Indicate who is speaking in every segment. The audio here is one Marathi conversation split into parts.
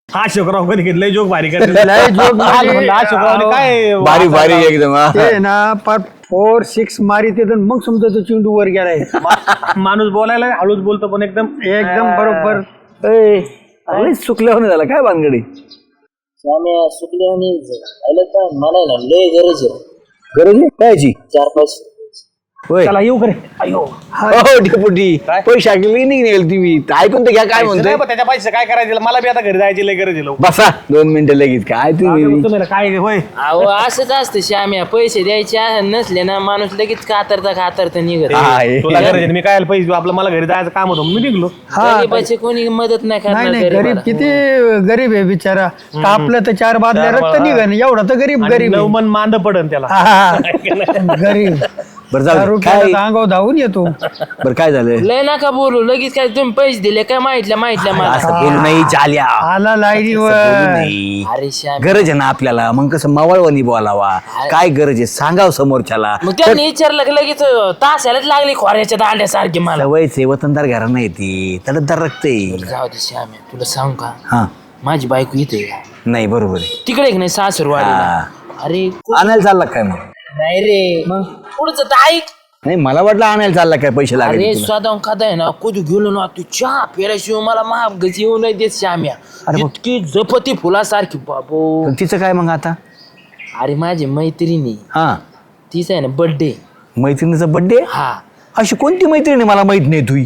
Speaker 1: हा शुक्राव कधी घेतलं जोक भारी करते
Speaker 2: लय जोक
Speaker 1: हा शुक्राव काय
Speaker 3: बारी बारी एकदम हा.
Speaker 2: ते ना पर 4-6 मारी ते मग समजा तो चेंडू वर गेलाय
Speaker 1: माणूस बोलायला हळूच बोलतो पण एकदम
Speaker 2: बरोबर.
Speaker 3: अरे चुकल्यावर झाला काय भानगडी
Speaker 4: मला ना लय गरज आहे.
Speaker 3: गरज आहे कायची
Speaker 4: 4-5
Speaker 3: होय
Speaker 1: चला येऊ करे
Speaker 3: हो डेपुटी पैसे ऐकले नाही निघेल तुम्ही ऐकून तर घ्या काय म्हणतोय
Speaker 1: त्याच्या पैसे काय करायचं मला बी आता घरी जायची लय गरज आहे
Speaker 3: बसा 2 मिनिटं लगेच काय तुम्ही
Speaker 1: तुम्हाला काय होय
Speaker 4: अहो असंच असतं श्याम्या पैसे द्यायचे नसले ना माणूस लगेच कातरता निघत
Speaker 3: हा, हे.
Speaker 1: तुला गरज आहे मी काय पैसे देऊ? आपलं मला घरी जायचं काम होतं मी निघलो
Speaker 4: गरीबाची कोणी मदत नाही
Speaker 2: नाही
Speaker 4: करणार
Speaker 2: नाही गरीब
Speaker 4: गरीबाला.
Speaker 2: किती गरीब आहे बिचारा तापलं तर 4 बादल्या रक्त निघन एवढा तर गरीब गरीब आहे.
Speaker 1: मन मांद पडन त्याला
Speaker 2: हा, गरीब
Speaker 3: बरं जाऊ दे.
Speaker 2: रुपयाला
Speaker 3: काय
Speaker 2: अंगावर धावून येतो.
Speaker 3: बरं काय झालं
Speaker 4: लय नका बोलू लगेच काय तुम्ही पैसे दिले काय माहितल्या मला
Speaker 3: असं बोलू नाही चाल्या
Speaker 2: आला लाईनीवर
Speaker 3: नाही
Speaker 4: अरे श्याम
Speaker 3: गरज आहे ना आपल्याला मग कसं मवाळवणी बोलावा काय गरज आहे सांगाव समोरच्याला
Speaker 4: मग त्यांनी विचारलं की लगेच तासालाच लागली खोऱ्याच्या दांड्यासारखी मला
Speaker 3: सवयचे वतनदार घरांना येते तडतदार रक्ते
Speaker 4: जाऊ दे श्याम्या तुला सांग का
Speaker 3: हा
Speaker 4: माझी बायको इथे
Speaker 3: नाही बरोबर आहे
Speaker 4: तिकडे एक नाही सासरवाडीला अरे
Speaker 3: आणायला चालला काय मग
Speaker 4: नाही रे मग पुढचं तर ऐक
Speaker 3: नाही मला वाटलं आणायला चालला काय पैसे
Speaker 4: अरे
Speaker 3: लागले तुला.
Speaker 4: स्वतः खाता आहे ना कधी गेलो ना तू चहा पेल्याशिवाय मला महाग येऊ नाही देत श्याम्या इतकी जपती फुलासारखी बाबो
Speaker 3: पण तिचं काय मग आता
Speaker 4: अरे माझी मैत्रिणी
Speaker 3: हा
Speaker 4: तीच आहे ना बर्थडे
Speaker 3: मैत्रिणीचा बर्थडे
Speaker 4: हा
Speaker 3: अशी कोणती मैत्रिणी मला माहित नाही तुही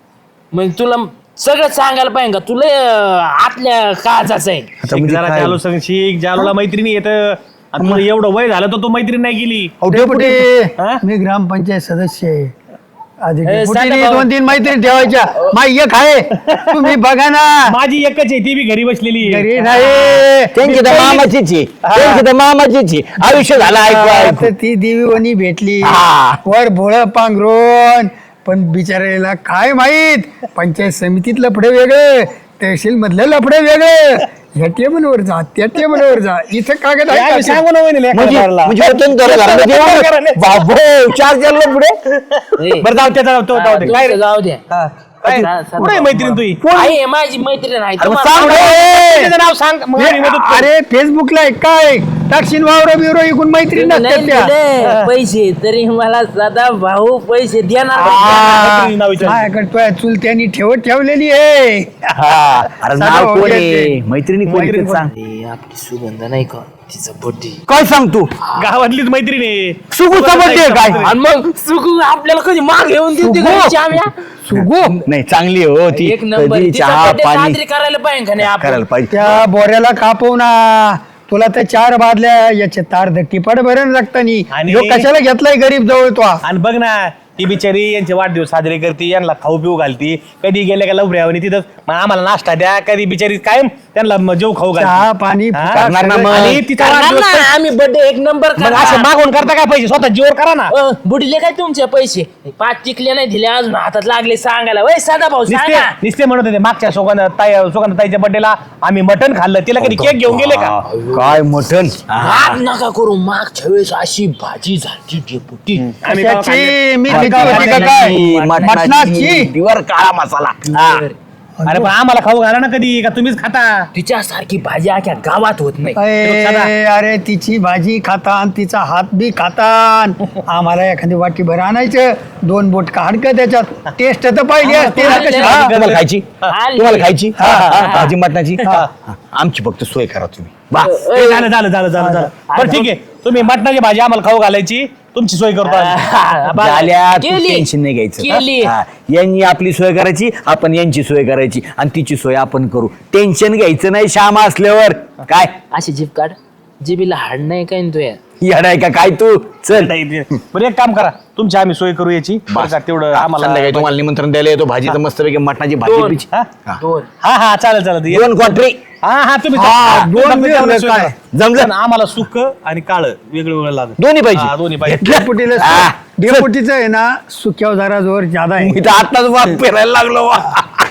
Speaker 4: मग तुला सगळं सांगायला पाहिजे का तुला आतल्या काळजाचं आहे
Speaker 3: आता म्हणजे
Speaker 1: जरा
Speaker 3: काय?
Speaker 1: जालो शिक जालोला मैत्रिणी येत तुला एवढं वय झालं तर तो मैत्रीण नाही गेली
Speaker 2: डेपुटी
Speaker 1: हा?
Speaker 2: मी ग्रामपंचायत सदस्य आहे आधी
Speaker 4: सांगा
Speaker 2: डेपुटीने
Speaker 4: भाऊ.
Speaker 2: 2-3 मैत्रिणी ठेवायच्या माई एक आहे तुम्ही बघा ना
Speaker 1: माझी एकच आहे ती बी घरी बसलेली आहे.
Speaker 2: घरी नाही
Speaker 3: त्यांची तर मामाचीच आहे त्यांची तर मामाचीच आहे आयुष्य झालं ऐकू ऐकू
Speaker 2: तर ती देवीवणी भेटली
Speaker 3: हा.
Speaker 2: वर भोळ पांघरून पण बिचारायला काय माहित पंचायत समितीत लफडे वेगळे तहसील मधलं लफडे वेगळे ह्या टेबलवर जा त्या टेबलवर जा इथं कागद आहे
Speaker 1: आम्ही
Speaker 2: का?
Speaker 1: सांगू ना वहिनीला एका बारला.
Speaker 3: म्हणजे वतनदार घरामध्ये येऊन बाबो 4 जण पुढे
Speaker 4: ए,
Speaker 1: बरं जाऊ त्याचा जाऊ दे काय रे?
Speaker 4: जाऊ द्या
Speaker 1: काय?
Speaker 4: सा- सा-
Speaker 1: कुठे आहे मैत्रीण तुझी
Speaker 4: आहे माझी मैत्रीण आहे
Speaker 3: अरे मग
Speaker 4: तुम्हाला
Speaker 3: सांग रे.
Speaker 1: त्याचं नाव सांग मग आम्ही मदत करू.
Speaker 2: अरे फेसबुकला आहे काय टाकशील वावर बिवरो इकून मैत्रीण
Speaker 4: तुम्ही
Speaker 2: नसतात
Speaker 4: नाही
Speaker 2: त्या
Speaker 4: दिले पैसे तरी मला सदा भाऊ पैसे देणार
Speaker 1: मैत्रिणी नाव विचार.
Speaker 2: माझ्याकडे तुझ्या चुलत्यांनी ठेवलेली आहे
Speaker 3: हा अरे नाव
Speaker 2: सांगा
Speaker 3: कोण
Speaker 2: वगैरे
Speaker 3: आहे
Speaker 2: ते.
Speaker 3: मैत्रिणी कोण आहे ते सांग
Speaker 4: ए, आपली सुगंध नाही का तिचा बर्थडे
Speaker 3: काय सांग तू
Speaker 1: गावातलीच मैत्रीण आहे
Speaker 3: सुगूचा बर्थडे काय
Speaker 4: आणि मग सुगू आपल्याला कधी माग घेऊन देते
Speaker 3: सुगू?
Speaker 4: का श्याम्या?
Speaker 2: सुगो
Speaker 3: नाही चांगली आहे हो ती
Speaker 4: एक नंबर
Speaker 3: कधी
Speaker 4: तिचा
Speaker 3: चहा
Speaker 4: birthday
Speaker 3: पाणी
Speaker 4: साजरी करायला पाहिजे का नाही आपण
Speaker 3: करायला पाहिजे
Speaker 2: त्या बोऱ्याला कापव ना तुला तर 4 बादल्या याचे तार धट्टी पड भरण लागतानी
Speaker 1: आणि-
Speaker 2: ह्यो कशाला घेतलाय गरीब जवळ तो
Speaker 1: आणि बघ ना ती बिचारी यांचे वाढदिवस साजरे करते यांना खाऊ पिऊ घालती कधी गेल्या का लवऱ्यावनी तिथं मग आम्हाला नाश्ता द्या कधी बिचारी कायम त्यांना जेव खाऊ
Speaker 2: चहा
Speaker 1: घालती
Speaker 2: पाणी
Speaker 1: हा?
Speaker 2: फुका
Speaker 3: करणार ना
Speaker 2: सगळं.
Speaker 3: मग.
Speaker 1: आणि तिचा
Speaker 4: करणार
Speaker 1: वाढदिवस
Speaker 4: ना, आम्ही बर्थडे एक नंबर
Speaker 1: मग असं मागून करता काय पैसे स्वतः जीवर करा ना
Speaker 4: बुडले काय तुमचे पैसे 5 टिकले नाही दिले अजून हातात लागले सांगायला वय साधा भाऊ
Speaker 1: निस्ते
Speaker 4: सांगा
Speaker 1: निस्ते म्हणत होते मागच्या सुगंधाताईच्या बर्थडेला आम्ही मटण खाल्लं तिला कधी केक घेऊन गेले का
Speaker 3: काय मटन
Speaker 4: राग नका करू मागच्या वेळेस अशी भाजी झाली डेपुटी
Speaker 1: आम्ही तेव्हा
Speaker 2: कशाची
Speaker 1: खाल्लं.
Speaker 2: मी भीती होती का काय मटणाची
Speaker 3: दिवर काळा मसाला हा.
Speaker 1: अरे पण आम्हाला खाऊ घाला ना कधी का तुम्हीच खाता
Speaker 4: तिच्यासारखी भाजी अख्या गावात होत नाही
Speaker 2: अरे तिची भाजी खातान तिचा हात बी खातान आम्हाला एखादी वाटी भर आणायचं 2 बोट हाडकं त्याच्यात टेस्ट तर पाहिजे असते ना कशी. हा.
Speaker 3: तुम्हाला खायची
Speaker 4: आली.
Speaker 3: तुम्हाला खायची
Speaker 2: हा, हा,
Speaker 3: भाजी मटणाची हा. आमची फक्त सोय करा तुम्ही बा
Speaker 1: ए, झालं बरं ठीक आहे तुम्ही मटणाची भाजी आम्हाला खाऊ घालायची तुमची सोय करतो आम्ही.
Speaker 3: झाल्या
Speaker 4: केली.
Speaker 3: टेन्शन नाही घ्यायचं
Speaker 4: केली.
Speaker 3: हा. यांनी आपली सोय करायची आपण यांची सोय करायची आणि तिची सोय आपण करू टेन्शन घ्यायचं नाही श्याम असल्यावर काय
Speaker 4: अशी जीभ काढ जिबीला हाड नाही काय न तुया
Speaker 3: येडाय का काय तू चल
Speaker 1: बरं एक काम करा तुमची आम्ही सोय करू याची बरं का तेवढं
Speaker 3: संध्याकाळी
Speaker 1: आम्हाला
Speaker 3: तुम्हाला निमंत्रण द्यायला येतो भाजीचं मस्तपैकी मटणाची भाजी
Speaker 4: दोन.
Speaker 3: पिची.
Speaker 1: हा?
Speaker 3: हा.
Speaker 4: 2
Speaker 1: हा चालेल
Speaker 3: 2 क्वाटरी
Speaker 1: हा तुम्ही
Speaker 2: हा,
Speaker 1: तुम्ही
Speaker 2: दोन
Speaker 1: फक्त
Speaker 2: मिळालं
Speaker 1: तेवढं सोय
Speaker 2: काय?
Speaker 1: करा.
Speaker 3: जमलं?
Speaker 1: पण आम्हाला सुक आणि काळ वेगळं लागत
Speaker 3: दोन्ही
Speaker 1: हा,
Speaker 3: पाहिजे
Speaker 1: दोन्ही पाहिजे
Speaker 2: डेपुटीला
Speaker 3: हा.
Speaker 2: डेपुटीचं आहे ना सुक्याव जरा जोर ज्यादा आहे
Speaker 3: मी तर आताच वाट फिरायला लागलो वा.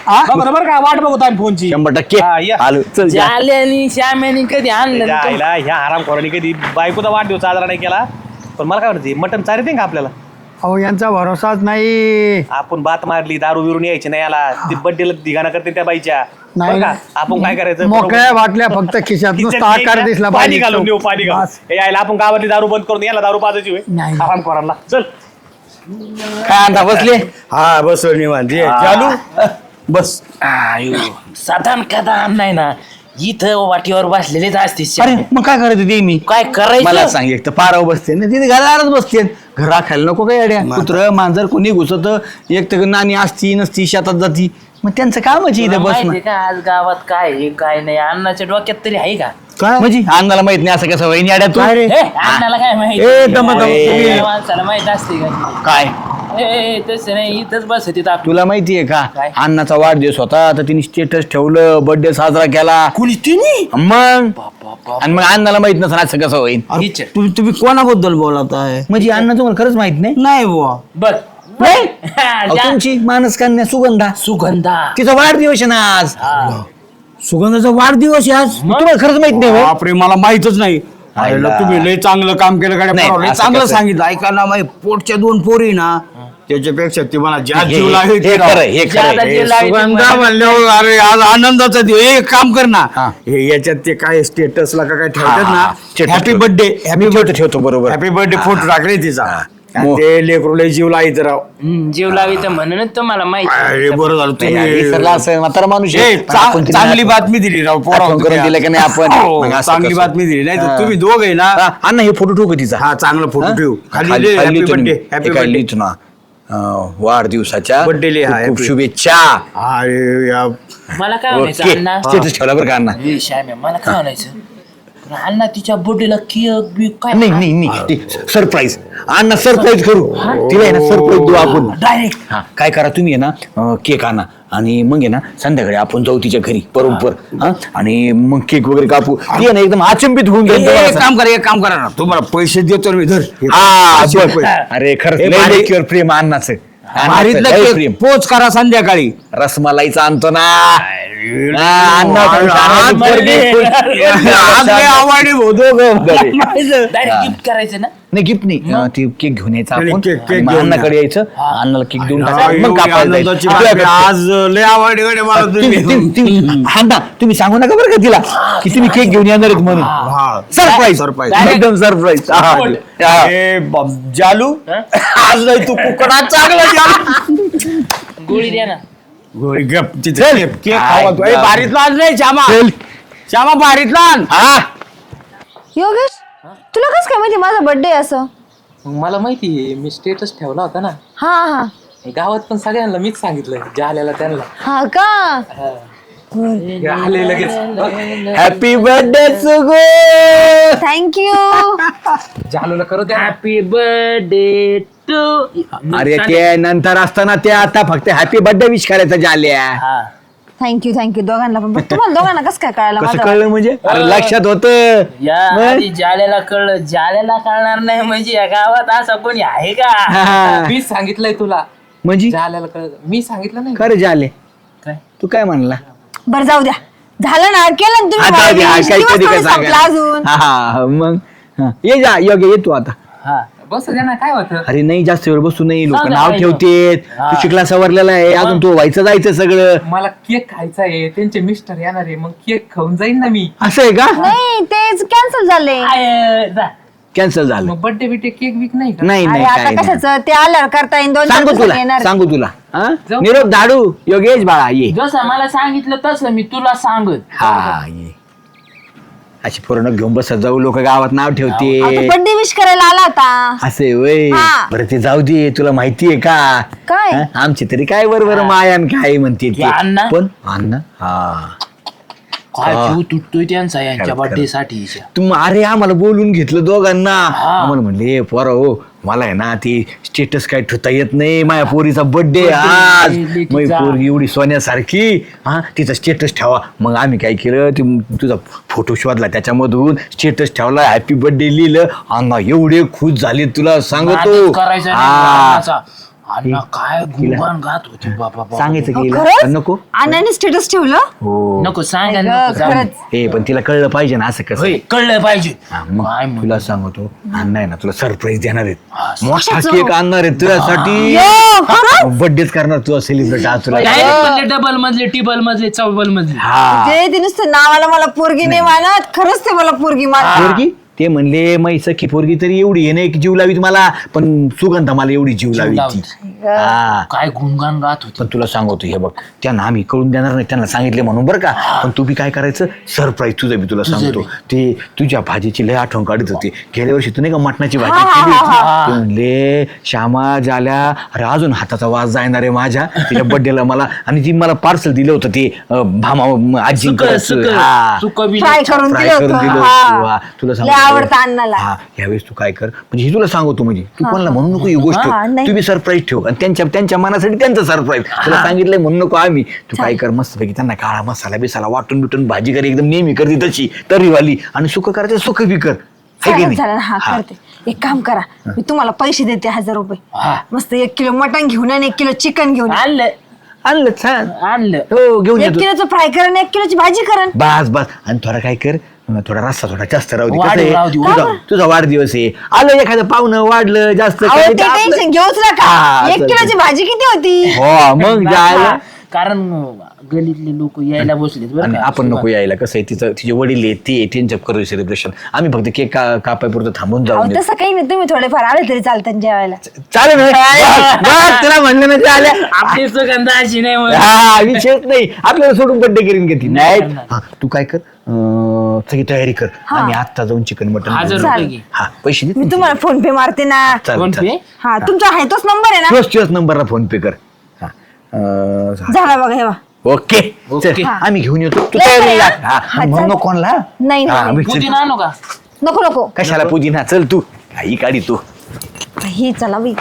Speaker 1: बरं का वाट बघतो आम्ही फोनची
Speaker 3: 100%
Speaker 1: हा, या.
Speaker 3: आलो चल जा.
Speaker 4: जाल्यानी श्याम्यानी कधी आणलं ना
Speaker 1: ह्या हराम खोरानी कधी बायकोचा वाढदिवस साजरा नाही केला पण मला काय वाटतं मटन चालते का आपल्याला
Speaker 2: अहो यांचा भरोसाच नाही.
Speaker 1: आपण बात मारली, दारू बिरून यायची नाही याला. ती बड्डेला धिगाणा करते त्या बाईच्या.
Speaker 2: नाही.
Speaker 1: बरं का? आपण काय करायचं?
Speaker 2: मोकळ्या बाटल्या फक्त खिशात नुसता आकार दिसला
Speaker 1: पाणी
Speaker 2: पाहिजे.
Speaker 1: घालून देऊ, पाणी घालून.
Speaker 2: बस.
Speaker 1: हे यायला आपण गावातली दारू बंद करून याला दारू पाजायची होय.
Speaker 2: नाही.
Speaker 1: आराम करायला चल.
Speaker 3: काय आणता बसले?
Speaker 5: हा बसलो निवांत ये, चालू बस.
Speaker 4: साधारण कदान नाही ना, इथं वाटीवर बसलेलेच असते
Speaker 3: अरे मग काय करायचं ते मी
Speaker 4: काय करायचं?
Speaker 3: मला सांग, एक तर पारावर बसते ना तिथे घरावरच बसते. घरा खायला नको काय अड्या, कुत्र मांजर कोणी घुसत, एक तर नानी असती नसती शेतात जाती, मग त्यांचं कामच इथे
Speaker 4: तुला
Speaker 3: बसणं.
Speaker 4: माहितीये का आज गावात काय आहे, काय नाही? अण्णाच्या डोक्यात तरी आहे का?
Speaker 3: काय म्हणजे अण्णाला माहित नाही असं कसं वहिनी अड्या तू
Speaker 2: काय रे?
Speaker 4: हे, अण्णाला काय माहिती?
Speaker 3: ए, दम-
Speaker 4: त्या माणसाला माहित असते का?
Speaker 3: काय
Speaker 4: ए, तसं नाही, इथंच बसत आपण.
Speaker 3: तुला माहितीये का
Speaker 4: काय?
Speaker 3: अण्णाचा वाढदिवस होता तर तिने स्टेटस ठेवलं, बर्थडे साजरा केला.
Speaker 5: कुणी तिने
Speaker 3: मग आणि मग अण्णाला माहित नसेल असं कसं होईल.
Speaker 4: टीचर.
Speaker 5: तुम्ही कोणाबद्दल बोलत आहे?
Speaker 3: म्हणजे अण्णा तुम्हाला खरंच माहित नाही?
Speaker 5: नाही बुवा.
Speaker 4: बर
Speaker 3: अहो, तुमची मानस कन्या सुगंधा,
Speaker 4: सुगंधा.
Speaker 3: तिचा वाढदिवस आहे ना आज.
Speaker 5: सुगंधाचा वाढदिवस आहे आज.
Speaker 3: तुम्हाला खरंच माहित नाही होय?
Speaker 5: बापरे, मला माहितच नाही.
Speaker 3: आईला.
Speaker 5: तुम्ही लय चांगलं काम केलं
Speaker 3: नाही,
Speaker 5: गाड्या, लय
Speaker 3: असं
Speaker 5: चांगलं
Speaker 3: कसं?
Speaker 5: सांगितलं. ऐका ना, माझ्या पोटच्या 2 पोरी ना, त्याच्यापेक्षा ती मला ज्या
Speaker 3: हे-
Speaker 5: जीव लागेल
Speaker 3: हे
Speaker 5: ते राव.
Speaker 3: खरं, हे खरं.
Speaker 4: ज्यादा
Speaker 3: हे
Speaker 4: जीव लागेल.
Speaker 5: सुगंधा म्हणल्यावर अरे आज आनंदाचा दिवस. एक काम कर ना,
Speaker 3: हा.
Speaker 5: हे याच्यात ते काय स्टेटसला का काय
Speaker 3: हा,
Speaker 5: ठेवतात
Speaker 3: हा.
Speaker 5: ना,
Speaker 3: Status
Speaker 5: हॅपी
Speaker 3: ठेवतो.
Speaker 5: बर्थडे,
Speaker 3: मी
Speaker 5: हॅपी
Speaker 3: ठेवतो,
Speaker 5: बर्थडे,
Speaker 3: ठेवतो, बरोबर.
Speaker 5: हॅपी बर्थडे फोटो टाकले तिचा. आणि
Speaker 3: मो-
Speaker 5: ते लेकरू लय जीव लाईत राव.
Speaker 4: जीव लावी तर म्हणूनच तुम्हाला माहिती.
Speaker 5: अरे बरं झालं
Speaker 3: नाही,
Speaker 5: तुम्ही
Speaker 3: विसरला असेल म्हातारा माणूस आहे.
Speaker 5: ए,
Speaker 3: पण आपण तिला
Speaker 5: चांगली बातमी दिली राव पोरांनो
Speaker 3: आठवण करून
Speaker 5: तुम्ही.
Speaker 3: दिलं की नाही आपण?
Speaker 5: हो,
Speaker 3: मग असं
Speaker 5: चांगली
Speaker 3: कसं?
Speaker 5: बातमी दिली. नाही तर
Speaker 3: हा.
Speaker 5: तुम्ही दोघ आहे ना.
Speaker 3: हा, अण्णा हे फोटो ठेवू का तिचा?
Speaker 5: हा चांगला फोटो ठेवू. खाली
Speaker 3: खाली
Speaker 5: हॅपी
Speaker 3: लिहितो
Speaker 5: बर्थडे,
Speaker 3: मी.
Speaker 5: हॅपी
Speaker 3: हे काय
Speaker 5: बर्थडे.
Speaker 3: लिहितो ना वाढदिवसाच्या
Speaker 5: Birthday लिहा,
Speaker 3: खूप खूप
Speaker 5: happy.
Speaker 3: शुभेच्छा.
Speaker 5: अरे या
Speaker 4: मला काय म्हणायचं
Speaker 3: ओके
Speaker 4: अण्णा?
Speaker 3: स्टेटस ठेवला बरं का अण्णा?
Speaker 4: ए, श्याम्या, मला काय म्हणायचं? पण अण्णा तिच्या बर्थडेला केक बी काय
Speaker 3: नाही नाही नाही सरप्राईज अण्णा, सरप्राईज करू तिला आहे ना, सरप्राईज देऊ आपण
Speaker 4: डायरेक्ट.
Speaker 3: हा काय करा तुम्ही आहे ना, केक आणा आणि मग आहे ना संध्याकाळी आपण जाऊ तिच्या घरी बरोबर. हा आणि मग केक वगैरे कापू. ती आहे ना एकदम अचंबित होऊन जाईल तुम्हाला सांग.
Speaker 5: एक काम करा ना, तुम्हाला पैसे देतो ना मी. धर हे
Speaker 3: हा,
Speaker 5: 500
Speaker 3: बघ.
Speaker 5: रुपये.
Speaker 3: अरे खरंच
Speaker 5: हे
Speaker 3: लय
Speaker 5: भारी-
Speaker 3: लेकीवर प्रेम अण्णाचं.
Speaker 5: भारीतलं
Speaker 3: लय
Speaker 5: केक
Speaker 3: प्रेम.
Speaker 5: पोच करा संध्याकाळी.
Speaker 3: रसमलाईचा आणतो ना. हा, अण्णा
Speaker 5: आज लय आवडली भाऊ दोघं.
Speaker 4: डायरेक्ट गिफ्ट करायचं ना.
Speaker 3: नाही गिफ्ट नाही, ते केक घेऊन यायचं
Speaker 5: नाही,
Speaker 3: आपण
Speaker 5: केक
Speaker 3: आणि मग
Speaker 5: घेऊन
Speaker 3: अण्णाकडे यायचं, अण्णाला केक देऊन
Speaker 5: हा,
Speaker 3: टाकायचं, मग
Speaker 5: एवढी
Speaker 3: कापायला
Speaker 5: आनंदाची
Speaker 3: जायचं.
Speaker 5: बातमी. आज लय आवडली गड्या मला तुम्ही.
Speaker 3: अण्णा तुम्ही सांगू नका बरं का तिला की तुम्ही केक घेऊन येणार आहेत म्हणून.
Speaker 5: हा.
Speaker 3: Surprise
Speaker 5: surprise.
Speaker 3: एकदम सरप्राईज.
Speaker 5: ए, जालू आज नाही तू कुकडा चांगला जालू.
Speaker 4: गोळी द्या ना.
Speaker 5: गोळी गप तिथे
Speaker 3: चल.
Speaker 5: केक खावा तू. ए, बारीतला आण रे श्यामा. श्यामा बारीतला आण.
Speaker 6: योगेश तुला कसं काय माहिती माझा बर्थडे असं?
Speaker 7: मला माहिती आहे, मी स्टेटस ठेवला होता ना
Speaker 6: हा हा
Speaker 7: गावात, पण सगळ्यांना मीच सांगितलं जे आलेला त्यांना.
Speaker 6: हा का?
Speaker 7: आले लगेच
Speaker 3: हॅपी बर्थडे सुगो.
Speaker 6: थँक्यू.
Speaker 7: झालो करू द्या.
Speaker 4: Happy birthday to.
Speaker 3: अरे ते नंतर असताना ते आता फक्त हॅपी बर्थडे विश करायचं झाल्या.
Speaker 6: थँक्यू दोघांना पण. तुम्हाला दोघांना कसं काय कळालं
Speaker 3: कसं
Speaker 6: माझं?
Speaker 3: कळलं म्हणजे? अरे लक्षात होत.
Speaker 4: या आधी जाल्याला कळलं, जाल्याला कळणार नाही म्हणजे या गावात असं कोणी आहे का?
Speaker 7: मीच सांगितलंय तुला.
Speaker 3: म्हणजे
Speaker 7: झाल्याला कळत, मी सांगितलं नाही.
Speaker 3: खरं झाले.
Speaker 4: काय?
Speaker 3: तू काय म्हणला?
Speaker 6: बरं जाऊ द्या, झालं ना, केलं ना
Speaker 3: आता
Speaker 6: तुम्ही.
Speaker 3: काही
Speaker 6: दिवस
Speaker 3: कधी
Speaker 6: थोडे
Speaker 3: काय
Speaker 6: संपला
Speaker 3: सांगा.
Speaker 6: अजून.
Speaker 3: हा मग हा. ये जा योग्य, ये तू आता.
Speaker 4: हा.
Speaker 7: बस द्या ना, काय होतं.
Speaker 3: अरे नाही जास्त वेळ बसू नाही, लोक
Speaker 4: सांगा,
Speaker 3: नाव
Speaker 4: काय
Speaker 3: ठेवतेत.
Speaker 4: हा.
Speaker 3: तू शिकला सवरलेला आहे अजून, तू व्हायचं जायचं सगळं.
Speaker 7: मला केक खायचा आहे, त्यांचे मिस्टर येणार आहे, मग केक खाऊन जाईन ना मी.
Speaker 3: असं आहे का?
Speaker 6: नाही तेच कॅन्सल झाले.
Speaker 4: आय, जा.
Speaker 3: कॅन्सल झालं.
Speaker 7: मग बर्थडे बिटे केक विक नाही का?
Speaker 3: नाही
Speaker 6: अरे
Speaker 3: नाही
Speaker 6: आता
Speaker 3: काय नाही.
Speaker 6: कशाचं ते आल्यावर करता येईल. 2-4
Speaker 3: सांगू
Speaker 6: दिवसांनी
Speaker 3: तुला,
Speaker 6: येणार.
Speaker 3: सांगू तुला. हा?
Speaker 7: जाऊ.
Speaker 3: निरोप धाडू योगेश बाळा, ये.
Speaker 4: जसं मला सांगितलं तसं मी तुला सांगत.
Speaker 3: हा ये. अशी पूर्ण घेऊन बसत जाऊ, लोक गावात नाव ठेवते.
Speaker 6: बर्थडे विश करायला आला होता.
Speaker 3: असे वय
Speaker 6: हा.
Speaker 3: बरं ते जाऊ दे, तुला माहितीये का
Speaker 6: काय?
Speaker 3: हा? आमची तरी काय बरोबर मायान काय म्हणते ते.
Speaker 4: या अण्णा?
Speaker 3: पण अण्णा हा
Speaker 4: काय जीव तुटतोय त्यांचा यांच्या
Speaker 3: खरं,
Speaker 4: बर्थडे साठी.
Speaker 3: तुम अरे आम्हाला बोलून घेतलं दोघांना. आम्हाला म्हणले पोरा हो, मला आहे ना ती स्टेटस काय ठेवता येत नाही, माझ्या पोरीचा बर्थडे आज,
Speaker 4: लेकीचा.
Speaker 3: माझी पोरगी एवढी सोन्यासारखी, हा तिचा स्टेटस ठेवा. मग आम्ही काय केलं, तुझा फोटो शोधला, त्याच्यामधून स्टेटस ठेवला, हॅपी बर्थडे लिहिलं. अण्णा एवढे खुश झाले तुला सांगतो.
Speaker 4: नाटक करायचं नाही
Speaker 3: हा.
Speaker 4: लग्नाचा. अण्णा काय गुणगान गात होती बाबा
Speaker 3: सांगायचं की हिला?
Speaker 6: खरंच
Speaker 3: नको
Speaker 6: अण्णाने स्टेटस ठेवलं
Speaker 3: हो
Speaker 4: नको सांगा
Speaker 6: ग,
Speaker 4: नको जाऊ.
Speaker 6: खरंच
Speaker 3: हे पण तिला कळलं पाहिजे ना असं कसं
Speaker 4: होय, कळलं पाहिजे
Speaker 3: हा, मग
Speaker 4: काय म्हणतो?
Speaker 3: तुला सांगतो अण्णा आहे ना तुला सरप्राईज देणार आहेत
Speaker 4: हा,
Speaker 3: मोठा
Speaker 6: कशाचं?
Speaker 3: केक आणणार आहे तुझ्यासाठी
Speaker 6: यो, खरंच?
Speaker 3: बर्थडेच करणार तुझा सेलिब्रेट आज तुला
Speaker 4: Direct म्हणले डबल मधले टिबल मधले चौबल मधले
Speaker 3: हा
Speaker 6: ते नुसतं नावाला मला पोरगी नाही मानत खरंच ते मला पोरगी मानत
Speaker 3: पोरगी ते म्हणले मै सखी पोरगी तरी एवढी आहे नाही की जीव लावीत मला पण सुगंधा मला एवढी जीव लावी ती हा
Speaker 4: काय गुणगान गात होती
Speaker 3: पण तुला सांगतो हे बघ त्यांना आम्ही कळून देणार नाही त्यांना सांगितले म्हणून बरं का पण तू बी काय करायचं सरप्राईज तुझं बी तुला सांगतो ते तुझ्या भाजीची लय आठवण काढत होती गेल्या वर्षी तू नाही का मटणाची भाजी केली होती ते म्हणले श्यामा झाल्या अरे अजून हाताचा वास जाणार आहे माझ्या तिच्या बर्थडेला मला आणि ती मला पार्सल दिलं होतं ते भामा आजी
Speaker 6: फ्राय करून
Speaker 3: फ्राय
Speaker 6: दिलं
Speaker 3: करून
Speaker 6: होतं
Speaker 3: दिलं
Speaker 6: हा.
Speaker 3: होतं. हा, तुला
Speaker 6: लय आवडतं अण्णाला.
Speaker 3: हा यावेळेस तू काय कर म्हणजे हे तुला सांगतो म्हणजे तू कोणाला म्हणू नको ही गोष्ट
Speaker 6: हा, नाही.
Speaker 3: तू बी सरप्राईज ठेव आणि त्यांच्या मनासाठी त्यांचं सरप्राईज तुला सांगितलंय म्हणू नको आम्ही तू काय कर मस्तपैकी त्यांना काळा मसाला बिसाला वाटून बिटून भाजी कर एकदम नेहमी करते तशी तरीवाली आणि सुख करायचं सुख बी कर है की
Speaker 6: चालेल
Speaker 3: नाही?
Speaker 6: चालेल हा
Speaker 3: हा.
Speaker 6: करते एक काम करा मी तुम्हाला पैसे देते 1000 रुपये
Speaker 4: हा.
Speaker 6: मस्त 1 किलो मटण घेऊन आणि 1 किलो चिकन घेऊन या.
Speaker 4: आणलं
Speaker 3: आणलं छान
Speaker 4: आणलं
Speaker 3: हो घेऊन
Speaker 6: 1
Speaker 3: येतो
Speaker 6: किलोचं फ्राय करा आणि 1 किलोची भाजी करा
Speaker 3: बस बस आणि थोडा काय कर थोडा रस्सा थोडा जास्त राहू दे
Speaker 4: वाढ
Speaker 3: कसं आहे,
Speaker 4: राहू दे.
Speaker 3: तुझा वाढदिवस आहे आलं एखादं पाहुणं वाढलं जास्त
Speaker 6: अहो,
Speaker 3: काय
Speaker 6: ते
Speaker 3: ते आपलं-
Speaker 6: टेन्शन घेऊच नका
Speaker 3: हा,
Speaker 6: 1
Speaker 3: चालतंय.
Speaker 6: किलोची भाजी किती होती
Speaker 3: हो मग जायला
Speaker 4: कारण गलीतले लोक यायला बसलेत बरं
Speaker 3: आणि
Speaker 4: का?
Speaker 3: आपण नको यायला कसं आहे तिचे वडील आहेत ते त्यांच्या करू सेलिब्रेशन आम्ही फक्त केक कापायपुरतं थांबून
Speaker 6: अहो,
Speaker 3: जाऊ
Speaker 6: तसं काही नाही तुम्ही थोडेफार आले तरी चालतं जेवायला
Speaker 3: चालेल ना? बस, बस, तुला म्हणलं ना ते आल्या
Speaker 4: आपली सुगंधा अशी नाही म्हणत.
Speaker 3: हा विषयच नाही आपल्याला सोडून बड्डे करीन का ती नाही हा, तू काय कर सगळी तयारी कर आम्ही आत्ता जाऊन चिकन मटन
Speaker 4: 1000 रुपये
Speaker 6: चालेल.
Speaker 4: घे.
Speaker 3: हा पैसे दे
Speaker 6: मी तुम्हाला फोन पे मारते ना
Speaker 4: फोन पे
Speaker 6: हा तुमचा आहे तोच नंबर आहे ना
Speaker 3: तोच नंबरला फोन पे कर हा
Speaker 6: झाला बघा हे बघा.
Speaker 3: Okay
Speaker 4: okay.
Speaker 3: चल, आम्ही घेऊन येतो तू
Speaker 6: लय
Speaker 3: तयारी
Speaker 6: बरं.
Speaker 3: लाग. हा,
Speaker 6: हा,
Speaker 3: म्हणू
Speaker 6: चल.
Speaker 3: नको कोणला
Speaker 6: नाही,
Speaker 3: हा,
Speaker 6: नाही.
Speaker 3: मी चल.
Speaker 4: पुदिना आणू का
Speaker 6: नको नको
Speaker 3: कशाला पुदिना चल तू काही काढी तू
Speaker 6: ही चला बाई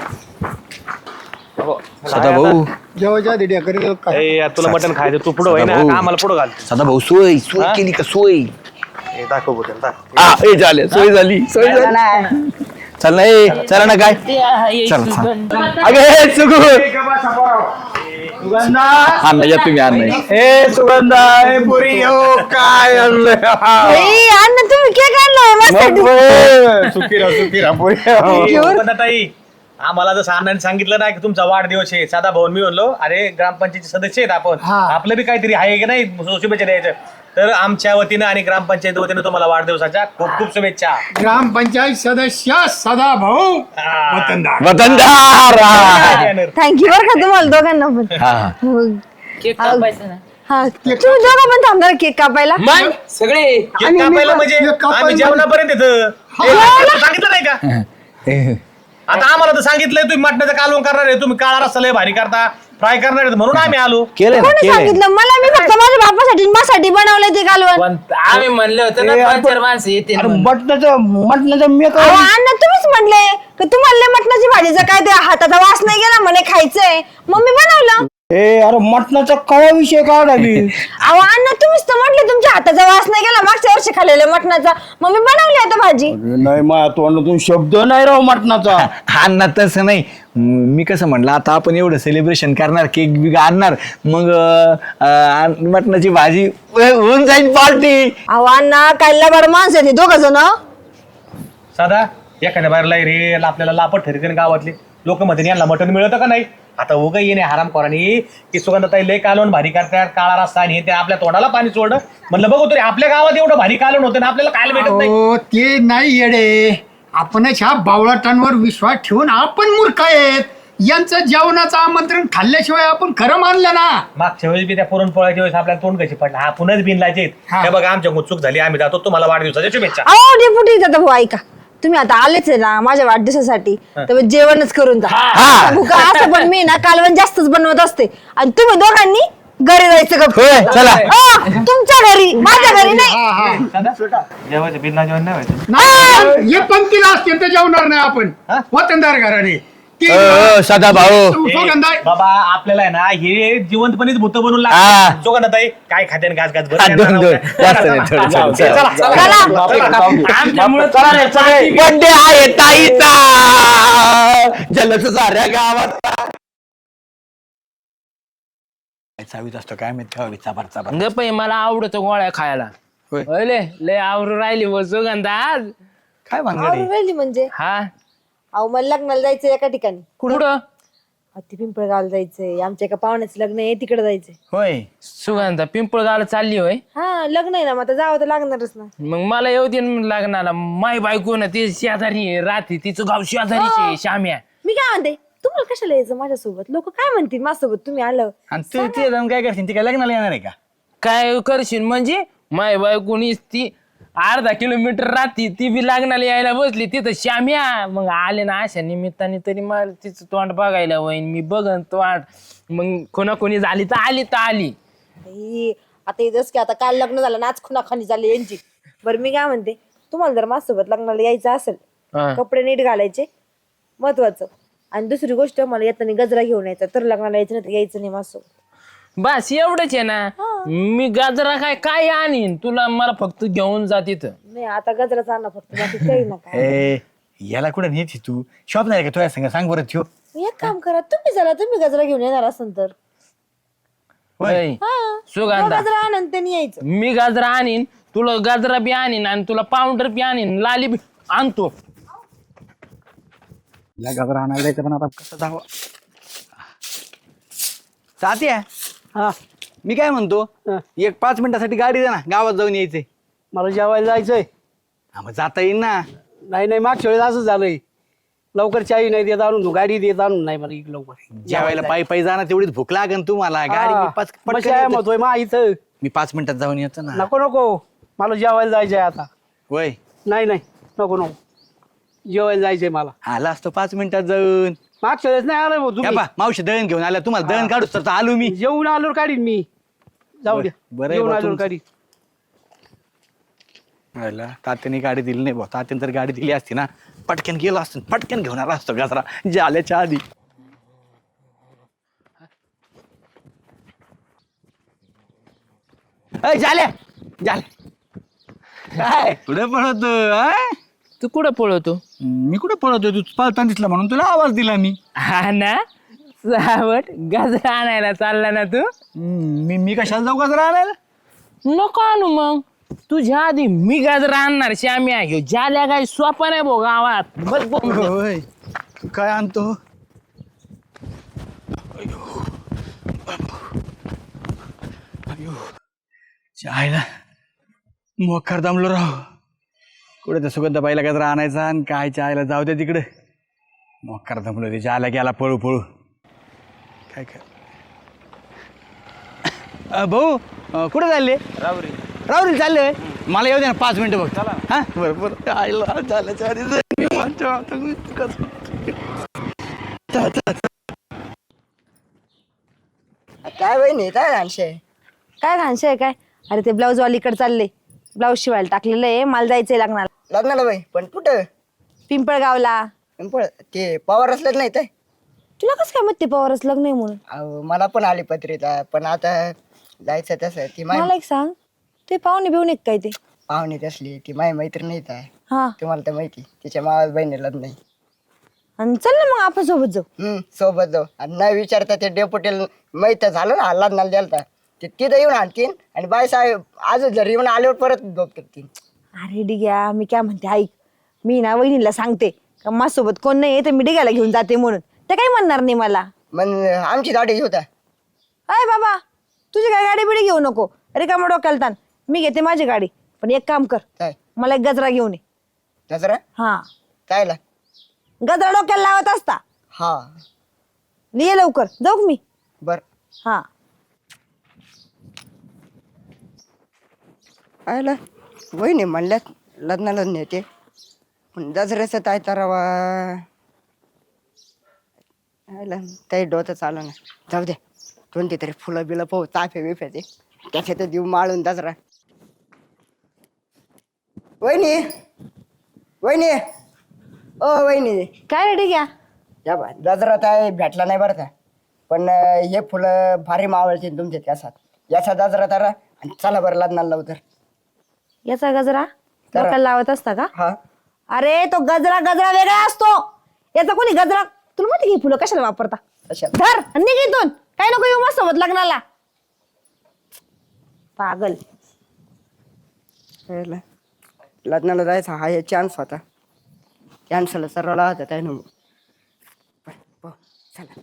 Speaker 3: सदा भाऊ
Speaker 2: जेव्हा दिड्या करीत काय
Speaker 1: ए, यार, तुला मटण खायचं तू पुढं होय ना
Speaker 3: भाऊ.
Speaker 1: का आम्हाला पुढं घाल
Speaker 3: सदा भाऊ सोय सोय
Speaker 1: हा?
Speaker 3: केली का सोय
Speaker 1: दाखव बोटेल दाखव
Speaker 3: हा ए झाले सोय झाली सोय झाली चल ना ए चला ना काय
Speaker 4: ते आहे
Speaker 3: चल, चल.
Speaker 4: सुगंधा.
Speaker 3: अगे हे सुगु आणा या तुम्ही आणा
Speaker 1: ए सुगंधा ए पुरी हो काय आणलंय
Speaker 6: ए, अण्णा तुम्ही केक आणलाय माझ्यासाठी
Speaker 1: सुखीरा पुरी ताई आम्हाला जसं अण्णाने सांगितलं ना की तुमचा वाढदिवस आहे साधा भाऊन मी म्हणलो अरे ग्रामपंचायतीचे सदस्य आहेत आपण आपलं बी काहीतरी आहे की नाही शुभेच्छा द्यायचं तर आमच्या वतीनं आणि ग्रामपंचायती वतीनं तुम्हाला वाढदिवसाच्या खूप खूप शुभेच्छा
Speaker 2: ग्रामपंचायत सदस्य सदा भाऊ वतनदार
Speaker 3: वतनदार
Speaker 6: थँक्यू बरं का तुम्हाला दोघांना पण
Speaker 3: हा, हा.
Speaker 6: हो.
Speaker 4: केक कापायचा ना
Speaker 6: हा तुम्ही दोघं पण थांबणार केक कापायला
Speaker 4: मग सगळे
Speaker 1: केक कापायला म्हणजे
Speaker 2: केक कापायला
Speaker 1: आम्ही जेवणापर्यंत येतं ए, सांगितलं नाही का आता आम्हाला तर सांगितलंय तुम्ही मटणाचं कालवण करणार आहे तुम्ही काळा रस्ता लय भारी करता फ्राय करणार आहे म्हणून आम्ही आलो
Speaker 3: केलंय ना
Speaker 6: कोणी
Speaker 3: केलंय
Speaker 6: सांगितलं मला मी फक्त माझ्या बापासाठी आणि माझ्यासाठी बनवलंय ते कालवण
Speaker 4: पण आम्ही म्हणलं होतं ना 5-4 माणसं येते
Speaker 5: मटणाचं मी
Speaker 6: अहो, अण्णा तुम्हीच म्हणले की तुम्हाला लय मटणाची भाजीचा काय ते हाताचा वास नाही गेला म्हणे खायचंय मग मी बनवलं
Speaker 5: अरे मटणाचा कवा विषय काढा मी
Speaker 6: अहो अण्णा तुम्हीच तर म्हटले तुमच्या हाताचा वास नाही गेला मागच्या वर्षी खाल्लेल्या मटणाचा मग मी बनवली आता भाजी
Speaker 5: नाही माझ्या तोंडातून शब्द नाही राव मटणाचा
Speaker 3: अण्णा तसं नाही मी कसं म्हटलं आता आपण एवढं सेलिब्रेशन करणार केक बिक आणणार मग मटणाची भाजी होऊन जाईल पार्टी
Speaker 6: अहो अण्णा काय लबाड माणसं आहे ते दोघं जण
Speaker 1: साधा एखाद्या बाहेरला रे आपल्याला लापट ठरते गावातली लोक मध्ये यांना मटण मिळतं का नाही आता उगा येणे हराम कोरानी की सुगंधाताई लय कालवण भारी करतात काळा रस्ता आणि हे ते आपल्या तोंडाला पाणी सोडलं म्हणलं बघू तरी आपल्या गावात एवढं भारी कालवण होतं ना आपल्याला खायला भेटत नाही
Speaker 2: हो ते नाही येडे आपणच ह्या बावळाटांवर विश्वास ठेवून आपण मूर्ख आहेत यांचं जेवणाचं आमंत्रण खाल्ल्याशिवाय आपण खरं मानलं ना
Speaker 1: मागच्या वेळेस बी त्या पुरणपोळ्याच्या वेळेस आपल्याला तोंड कशी पडला हा पुन्हाच बिनलायचे
Speaker 2: हा.
Speaker 1: हे बघा आमच्या चूक झाली आम्ही जातो तुम्हाला वाढदिवसाच्या शुभेच्छा
Speaker 6: अहो डेपुटी दादा भाऊ ऐका तुम्ही आता आलेच आहे ना माझ्या वाढदिवसासाठी तर जेवणच करून जा सांगू का असं पण मी ना कालवण जास्तच बनवत असते आणि तुम्ही दोघांनी घरी जायचं गप्प
Speaker 3: होय, चला.
Speaker 6: तुमच्या घरी माझ्या घरी नाही
Speaker 1: जेवायचं बिनला जेवण नाही व्हायचं
Speaker 2: नाही, हे पंक्तीला असतील तर जेवणार नाही आपण वतनदार घराने ते
Speaker 3: सदा भाऊ
Speaker 2: सुगंधा
Speaker 1: बाबा आपल्याला आहे ना हे जिवंतपणेच भूत बनवून
Speaker 3: हा.
Speaker 1: लागतात सुगंधाताई काय खाते घास घास
Speaker 3: हा, दोन दोन जास्त नाही थोडं
Speaker 1: चला,
Speaker 3: चला.
Speaker 6: चला
Speaker 4: आमच्यामुळे चालेल
Speaker 3: बड्डे आहे ताईचा जलच साऱ्या गावात चावीत असतो काय माहित का चापार चापार.
Speaker 4: गप्प आहे, मला आवडतं गोळ्या खायला.
Speaker 3: होय.
Speaker 4: होयले लय आवरू राहिली व सुगंधा आज.
Speaker 3: काय भानगड
Speaker 6: आवरून
Speaker 3: आहे?
Speaker 6: राहिली म्हणजे
Speaker 4: हा
Speaker 6: अहो मला लग्नाला जायचंय एका ठिकाणी
Speaker 4: कुठं
Speaker 6: अहो, ते पिंपळगावला जायचंय आमच्या एका पाहुण्याचं लग्न आहे तिकडे जायचंय.
Speaker 3: होय.
Speaker 4: सुगंधा पिंपळगावला चालली होय.
Speaker 6: हा लग्न आहे ना मग आता जावं तर लागणारच ना.
Speaker 4: मग मला येऊ दे ना लग्नाला. माय बायको ना ती शेजारी राहते, तिचं गाव शेजारीचे श्याम्या.
Speaker 6: मी काय म्हणते तुम्हाला कशाला यायचं माझ्यासोबत लोक काय म्हणतील माझ्यासोबत तुम्ही आलं.
Speaker 3: आणि तू ते जाऊन काय करशील ती काय लग्नाला येणार आहे का?
Speaker 4: काय करशील म्हणजे माय बायकोनीच ती अर्धा किलोमीटर राहती, ती बी लग्नाला यायला बसली तिथं श्याम्या. मग आले ना अशा निमित्ताने तरी मला तिचं तोंड बघायला होईन, मी बघन तोंड. मग कोणाकोणी झाली तर आली तर आली.
Speaker 6: बाई, आता येतच की आता काल लग्न झालं नाच खुनाखानी झाली यांची. बरं मी काय म्हणते तुम्हाला जर माझ्यासोबत लग्नाला यायचं असेल
Speaker 4: हा.
Speaker 6: कपडे नीट घालायचे महत्वाचं. आणि दुसरी गोष्ट मला येताना गजरा घेऊन यायचा तर लग्नाला यायचं नाही तर यायचं नाही माझ्यासोबत.
Speaker 4: बस एवढंच आहे ना. मी गाजरा काय आणीन तुला, मला फक्त घेऊन जा तिथं.
Speaker 6: नाही आता गजराच आणा फक्त बाकी काही नका.
Speaker 3: ए याला कुठं नेती तू? शॉप नाही का तुझ्या संग? सांग बरं ठेव.
Speaker 6: एक काम करा तुम्ही चला तुम्ही गजरा घेऊन येणार असेल तर
Speaker 4: होय.
Speaker 6: हा
Speaker 4: सुगंधा
Speaker 6: गजरा आणा आणि त्यांनी यायचं.
Speaker 4: मी गाजरा आणीन, तुला गाजरा बी आणीन आणि तुला पावडर बी आणीन, लाली बी आणतो.
Speaker 3: या गाजरा आणायला जायचं पण आता कसं जावं? सात्या
Speaker 5: हा
Speaker 3: मी काय म्हणतो, एक 5 मिनिटासाठी गाडी दे ना, गावात जाऊन यायचंय.
Speaker 5: मला जेवायला जायचंय.
Speaker 3: हा, मग जाता येईल ना.
Speaker 5: नाही मागच्या वेळेस असं झालंय, लवकर चावी नाही देत आणून, गाडी देत आणून नाही मला इकडं लवकर
Speaker 3: जेवायला पायी जाणार तेवढीच भूक लागन तुम्हाला. गाडी मी पटकन येतो.
Speaker 5: म्हणतोय मा इथं
Speaker 3: मी 5 मिनिटात जाऊन येतो ना.
Speaker 5: नको मला जेवायला जायचंय आता.
Speaker 3: वय
Speaker 5: नाही नको जेवायला जायचंय मला.
Speaker 3: आला असतो 5 मिनिटात जाऊन.
Speaker 5: मागच्या वेळेस नाही आलं भाऊ
Speaker 3: या
Speaker 5: तुम्ही.
Speaker 3: पा, मावशी दळण घेऊन आल्या, तुम्हाला दळण काढूच तर आलो मी.
Speaker 5: जेवून आलो काढीन मी. जाऊ द्या
Speaker 3: बरं आहे
Speaker 5: जेवून
Speaker 3: बा
Speaker 5: आलो
Speaker 3: तुमचं.
Speaker 5: काढीन.
Speaker 3: तात्याने गाडी दिली नाही भाऊ. तात्याने तर गाडी दिली असती ना, पटकन गेलो असतो, पटकन घेऊन आला असतो गजरा जाल्याच्या आधी. झाल्या काय कुठे पळवतो?
Speaker 4: तू कुठं पळवतो?
Speaker 3: मी कुठे पळवतो? तू पळताना दिसला म्हणून तुला आवाज दिला मी.
Speaker 4: हा ना, सावट गाजरा आणायला चालला ना तू.
Speaker 3: मी कशाला जाऊ गजरा आणायला?
Speaker 4: नको आणू मग, तुझ्या आधी मी गाजरा आणणार. श्याम्या ह्यो ज्याला काय सोपा नाही भाऊ गावात. बस बोंब.
Speaker 3: होय. तू काय आणतो? चायला मोकार दमलो राव. कुठे तर सुगंधाबाईला गजरा आणायचा आणि काय चायला जाऊ दे तिकडे. मोकार दमलो ते जायला गेला पळू काय भाऊ कुठे चालले? रावरी चालले. मला येऊ दे ना 5 मिनिटं बघ. हा बरं आयला झाल्याच्या आधी
Speaker 8: काय वहिनी काय घालशे?
Speaker 6: काय घाणशे आहे काय. अरे ते ब्लाऊज वालीकडे चालले, ब्लाऊज शिवायला टाकलेलं आहे, मला जायचंय लग्नाला.
Speaker 8: लग्नाला बाई पण कुठं?
Speaker 6: पिंपळगावला.
Speaker 8: ते पवार असलेच नाही तर
Speaker 6: तुला कसं काय माहिती पवारच लग्न आहे म्हणून?
Speaker 8: अहो, मला पण आली पत्रिका पण आता जायचं तसं ती
Speaker 6: मला एक सांग, ते पाहुणे बिवणे काय ते?
Speaker 8: पाहुणे असली ती माझी मैत्रीण नाही तर
Speaker 6: हा
Speaker 8: तुम्हाला तर माहिती तिच्या मावा बहिणीला नाही.
Speaker 6: आणि चल ना मग आपण सोबत जाऊ.
Speaker 8: सोबत जाऊ आणि नाही विचारता ते डेपुटेल माहित झालं ना लग्नाला द्यालता ते तिथं येऊन आणतीन आणि बाई साहेब आज जर येऊन आल्यावर परत झोप करतील.
Speaker 6: अरे डिग्या मी काय म्हणते ऐक, मी ना वहिनीला सांगते का माझ्यासोबत कोण नाही तर मी डिग्याला घेऊन जाते म्हणून. ते काही म्हणणार नाही मला.
Speaker 8: मग आमची गाडी घेऊ का?
Speaker 6: अय बाबा तुझी काय गाडी बिडी घेऊ नको, अरे का मग डोक्याला ताण. मी घेते माझी गाडी, पण एक काम कर,
Speaker 8: काय
Speaker 6: मला एक गजरा घेऊन ये.
Speaker 8: दसरा
Speaker 6: हा
Speaker 8: कायला?
Speaker 6: गजरा डोक्याला लावत असता.
Speaker 8: हा
Speaker 6: ये लवकर जाऊ का मी?
Speaker 8: बर
Speaker 6: हा
Speaker 8: आयला वहिनी म्हणल्यात लग्नाला नेते पण दसऱ्याचं काय तरावा आयला काही डोतं चालू ना. जाऊ द्या कोणती तरी फुलं बिलं पाहू ताफे बिफ्याचे त्याच्यात देऊ माळून दसरा. वहिनी वहिनी ओ वहिनी
Speaker 6: काय रे डिग्या?
Speaker 8: या बा दसरा काय भेटला नाही बरं का पण हे फुलं भारी मावळतील तुमच्या त्यासात. याचा दसरा तारा आणि चला बरं लग्नाला लावू तर.
Speaker 6: याचा गजरा
Speaker 8: करा.
Speaker 6: डोक्याला लावत असता का?
Speaker 8: हा
Speaker 6: अरे तो गजरा गजरा वेगळा असतो. याचा कोणी गजरा तुला माहिती की फुलं कशाला वापरता?
Speaker 8: अशा
Speaker 6: धर आणि निघ इथून. काय नको येऊ माझ्यासोबत लग्नाला. पागल.
Speaker 8: कळलं? लग्नाला जायचा हा एक चान्स होता. कॅन्सल सर्वाला होता काय ना. चला.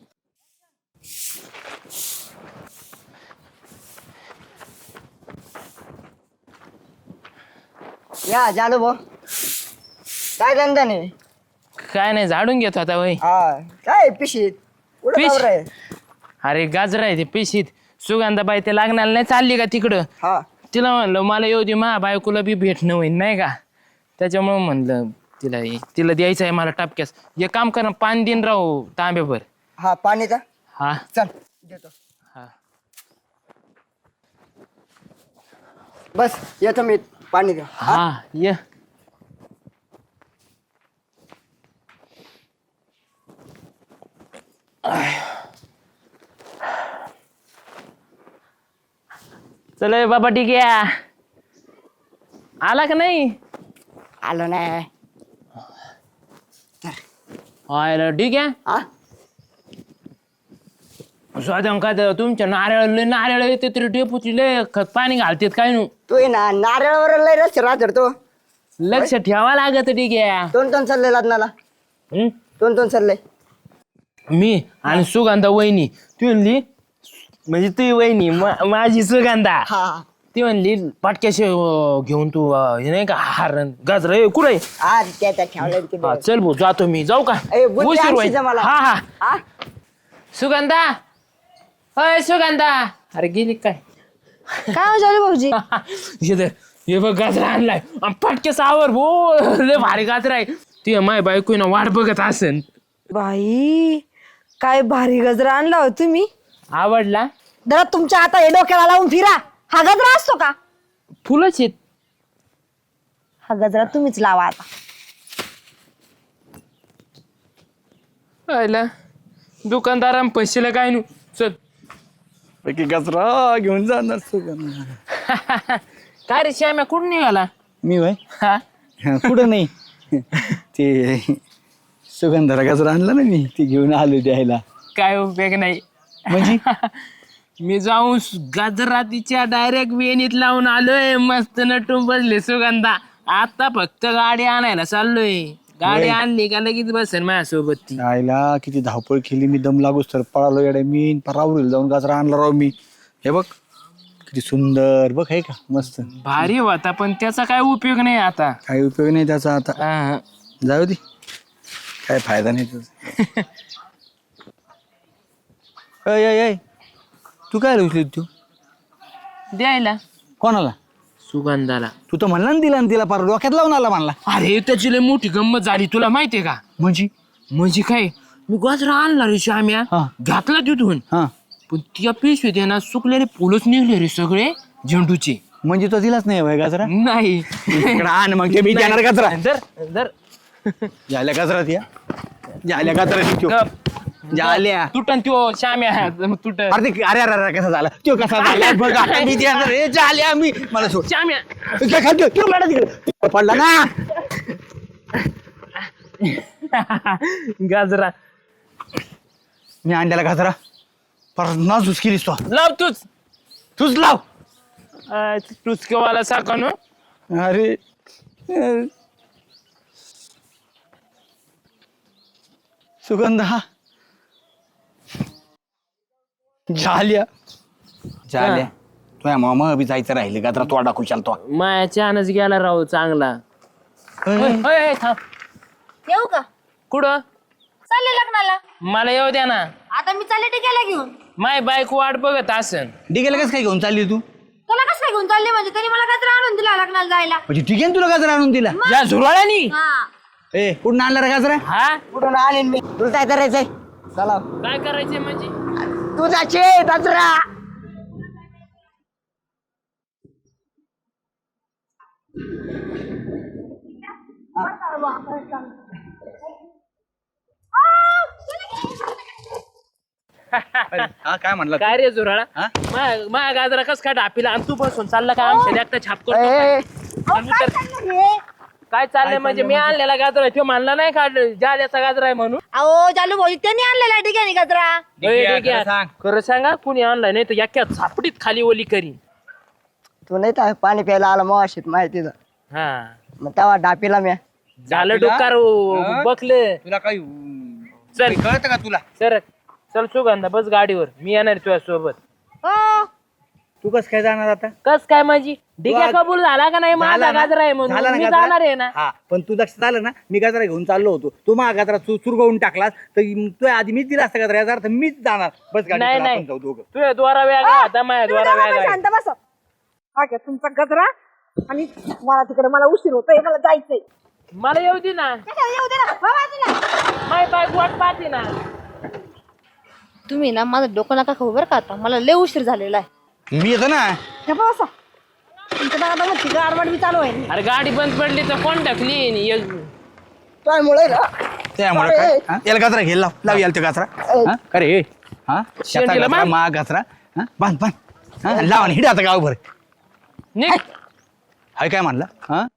Speaker 8: या जालू भाऊ, काय धंदा नाही?
Speaker 4: काय नाही झाडून घेतो आता वय.
Speaker 8: हा काय पिशीत कुठं
Speaker 4: पिश?
Speaker 8: नवरा आहे?
Speaker 4: अरे गाजर आहे ते पिशीत. सुगंधाबाई ते लागणार नाही चालली का तिकडं.
Speaker 8: हा
Speaker 4: तिला म्हणलं मला येऊ दे मा बायकोला बी भेटणं होईल नाही का. त्याच्यामुळे म्हणलं तिला द्यायचं आहे मला टपक्यास. एक काम कर ना, पाणी दिन राहू तांब्याभर.
Speaker 8: हा पाणीचा
Speaker 4: हा
Speaker 8: चल देतो.
Speaker 4: हा.
Speaker 8: बस येतो मी पाणी द्या.
Speaker 4: हा ये. चल ए बाबा ठीक आहे. आला का नाही?
Speaker 8: आलो नाही.
Speaker 4: आयला ठीक आहे.
Speaker 8: हा
Speaker 4: स्वादम काय तर तुमच्या नारळ येते तरी डेपुची लय खत पाणी घालतेत काय नु.
Speaker 8: तू ये ना नारळावर लय रस्ते राहतो तो.
Speaker 4: लक्ष ठेवा लागत ठीक आहे.
Speaker 8: दोन चालले लग्नाला.
Speaker 4: हं?
Speaker 8: दोन चालले.
Speaker 4: मी आणि सुगंधा वहिनी ती म्हणली म्हणजे ती वहिनी माझी सुगंधा
Speaker 8: हा
Speaker 4: ती म्हणली पाटक्याशी घेऊन तू हे नाही का हार गाजर कुठे
Speaker 8: आज त्याचा ठेवलं
Speaker 4: चल भाऊ जातो मी जाऊ का
Speaker 8: ए, बुद्धी
Speaker 4: उशीर
Speaker 8: आणशील
Speaker 4: होईल.
Speaker 8: जा मला.
Speaker 4: हा हा
Speaker 8: हा
Speaker 4: सुगंधा अय सुगंधा अरे गेली काय
Speaker 6: काय हो जालू भाऊजी?
Speaker 4: हे बघ गाजरा आणलाय आणि पटकेस आवर भो लय भारी गाजरा आहे. ती माय बायको ना वाट बघत असेल.
Speaker 6: बाई काय भारी गजरा आणला हो तुम्ही.
Speaker 4: आवडला?
Speaker 6: जरा तुमच्या आता हे डोक्याला लावून फिरा. हा गजरा असतो का?
Speaker 4: फुलंच आहेत.
Speaker 6: हा गजरा तुम्हीच लावा आता.
Speaker 4: आयला दुकानदारां पैशाला काय नु चल
Speaker 3: गजरा घेऊन जाणार
Speaker 4: काय रे श्याम्या कुठं निघाला?
Speaker 3: मी वय
Speaker 4: हा
Speaker 3: कुठं नाही ते सुगंधाला गजरा आणला ना मी ती घेऊन आलो द्यायला.
Speaker 4: काय उपयोग नाही
Speaker 3: म्हणजे
Speaker 4: मी जाऊन गाजरातीच्या डायरेक्ट वेणीत लावून आलोय मस्त नटून बसले सुगंधा. आता फक्त गाडी आणायला चाललोय. गाडी आणली का लगेच बसेल माझ्यासोबत ती.
Speaker 3: आईला किती धावपळ केली मी दम लागूच तर पळालो येडे मी परावरील जाऊन गजरा आणला राव मी. हे बघ किती सुंदर बघ आहे का मस्त
Speaker 4: भारी होता पण त्याचा काय उपयोग नाही आता.
Speaker 3: काही उपयोग नाही त्याचा आता.
Speaker 4: हा.
Speaker 3: जाऊ दे काय फायदा नाही त्याचा. अय तू काय उचली तू
Speaker 4: द्यायला
Speaker 3: कोणाला?
Speaker 4: सुगंधाला.
Speaker 3: तू तर म्हणला ना दिला ना तिला पार डोक्यात लावून आला म्हणला.
Speaker 4: अरे त्याची लय मोठी गंमत झाली तुला माहितीये का? म्हणजे काय मी गजरा आणला रे श्याम्या
Speaker 3: हा.
Speaker 4: घातला तिथून
Speaker 3: हा
Speaker 4: पण त्या पिशवीत आहे ना सुकलेले फुलच निघले रे सगळे झेंडूचे.
Speaker 3: म्हणजे तो दिलाच नाही भाई गजरा.
Speaker 4: नाही
Speaker 3: इकडं आण मग ते मी देणार गजरा.
Speaker 4: दर
Speaker 3: झाल्या गजरात या झाल्या गजरात
Speaker 4: गप.
Speaker 3: झाल्या
Speaker 4: तुटन त्यो श्याम्या तुट
Speaker 3: अरे अरे अरे अरे कसा झाला तो कसा झाला बघ आता मी देणार रे झाल्या मी मला सोड
Speaker 4: श्याम्या
Speaker 3: काय खातो तू मॅडम तिकडे पडला ना
Speaker 4: गाजरा
Speaker 3: मी आणलेला गजरा परत नाजूस केलीस तो.
Speaker 4: लाव
Speaker 3: तूच लाव.
Speaker 4: टुचकेवाला साका नो.
Speaker 3: अरे सुगंधा झाल्या तुझ्या मामा बी जायचं राहिले गजरा तोडा खुशाल तो.
Speaker 4: माया चानच गेला राहू चांगला. थांब
Speaker 6: येऊ का?
Speaker 4: कुठं
Speaker 6: चालले लग्नाला.
Speaker 4: मला येऊ द्या ना.
Speaker 6: आता मी चालले टिकायला घेऊन.
Speaker 4: माय बायको वाट बघत असन.
Speaker 3: डिगेला कसं काय घेऊन चालली तू?
Speaker 6: तुला कसं काय घेऊन चालले? म्हणजे त्यांनी मला गजरा आणून दिला लग्नाला जायला.
Speaker 3: म्हणजे ठीक आहे तुला गजरा आणून दिला.
Speaker 4: या झुरळानी
Speaker 6: हा
Speaker 3: ए कुठून आणला रे गजरा?
Speaker 4: हा
Speaker 8: कुठून आणेन मी? तुला काय करायचंय? चला
Speaker 4: काय करायचंय म्हणजे
Speaker 8: तुझाचे गजरा.
Speaker 3: हा काय म्हणला?
Speaker 4: काय रे झुरळा
Speaker 3: हा?
Speaker 4: माया गाजरा कस काय ढापीला आणि तू बसून चालला का आमच्या एकटा छाप करतो
Speaker 8: ए,
Speaker 4: काय चाललंय म्हणजे मी आणलेला गाजरा तो म्हणला नाही का जाल्याचा गाजरा आहे म्हणून.
Speaker 6: अहो जालू भाऊजी त्यांनी आणलेला ठिकाणी गजरा.
Speaker 4: खरं सांगा कुणी आणलाय नाही तर एका झापडीत खाली ओली करी.
Speaker 8: तू नाही तर पाणी प्यायला आला मग अशीत माहिती
Speaker 4: हा
Speaker 8: मग तेव्हा डापीला म्या
Speaker 4: झालं डोकार बकले
Speaker 1: तुला काही
Speaker 4: चल
Speaker 1: कळतं का तुला
Speaker 4: सर चल सुगंधा बस गाडीवर मी येणार तुझ्या सोबत
Speaker 1: तू कसं काय जाणार आता
Speaker 4: कस काय माझी डिग्या कबूल झाला का नाही माझा गाजरा आहे म्हणून मी जाणार आहे ना
Speaker 9: हा पण तू लक्षात आलं ना मी गाजरा घेऊन चाललो होतो तू माझा गाजरा चुरगवून टाकलास तर तू आधी मीच दिला असता गाजरा याचा अर्थ मीच जाणार बस गाडी
Speaker 4: नाही
Speaker 9: चला,
Speaker 4: नाही
Speaker 9: आपण जाऊ दोघं
Speaker 4: तुझ्या द्वारा वेगळा आता माझ्या द्वारा वेगळा आहे.
Speaker 6: शांत बस हा घ्या तुमचा गजरा आणि मला तिकडे मला उशीर होतोय मला जायचंय
Speaker 4: मला येऊ दे ना
Speaker 6: येऊ दे ना हो बाजूला.
Speaker 4: माय बायको वाट पाहते ना
Speaker 6: तुम्ही ना माझं डोकं नका खाऊ बरं का आता मला लय उशीर झालेला आहे
Speaker 3: मी येतो ना
Speaker 6: गप्प बसा. तुमच्या दादा मग तिकडे आडवाड बी चालू आहे
Speaker 4: अरे गाडी बंद पडली तर कोण टाकली
Speaker 8: काय मुळे
Speaker 3: त्यामुळे काय हा? याला गाजरा घे लाव याला तो गाजरा हा? अरे हा त्याचा
Speaker 4: शेंडीला
Speaker 3: गाजरा
Speaker 4: बांध.
Speaker 3: मा गाजरा हा? बांध बांध हा? लाव आणि हिड आता गावभर
Speaker 4: निघ
Speaker 3: हाय काय म्हणला हा